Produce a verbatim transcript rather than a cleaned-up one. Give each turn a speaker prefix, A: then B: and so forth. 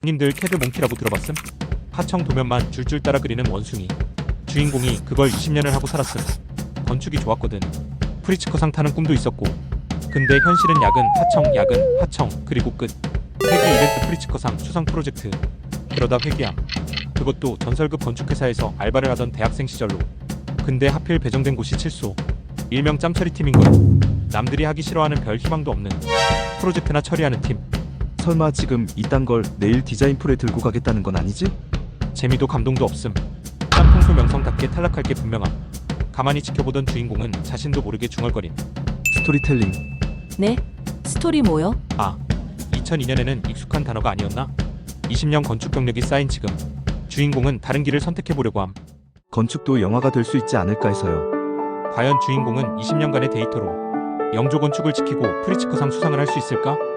A: 님들 캐드 몽키라고 들어봤음? 하청 도면만 줄줄 따라 그리는 원숭이. 주인공이 그걸 이십 년을 하고 살았음. 건축이 좋았거든. 프리츠커상 타는 꿈도 있었고. 근데 현실은 야근, 하청, 야근, 하청, 그리고 끝. 회계 이벤트 프리츠커상 수상 프로젝트. 그러다 회계함. 그것도 전설급 건축회사에서 알바를 하던 대학생 시절로. 근데 하필 배정된 곳이 칠소. 일명 짬처리 팀인걸. 남들이 하기 싫어하는 별 희망도 없는 프로젝트나 처리하는 팀.
B: 설마 지금 이딴 걸 내일 디자인 풀에 들고 가겠다는 건 아니지?
A: 재미도 감동도 없음. 짬풍소 명성답게 탈락할 게 분명함. 가만히 지켜보던 주인공은 자신도 모르게 중얼거림.
B: 스토리텔링.
C: 네? 스토리 뭐요?
A: 아, 이천이 년에는 익숙한 단어가 아니었나? 이십 년 건축 경력이 쌓인 지금 주인공은 다른 길을 선택해보려고 함.
B: 건축도 영화가 될 수 있지 않을까 해서요.
A: 과연 주인공은 이십 년간의 데이터로 영조 건축을 지키고 프리츠커상 수상을 할 수 있을까?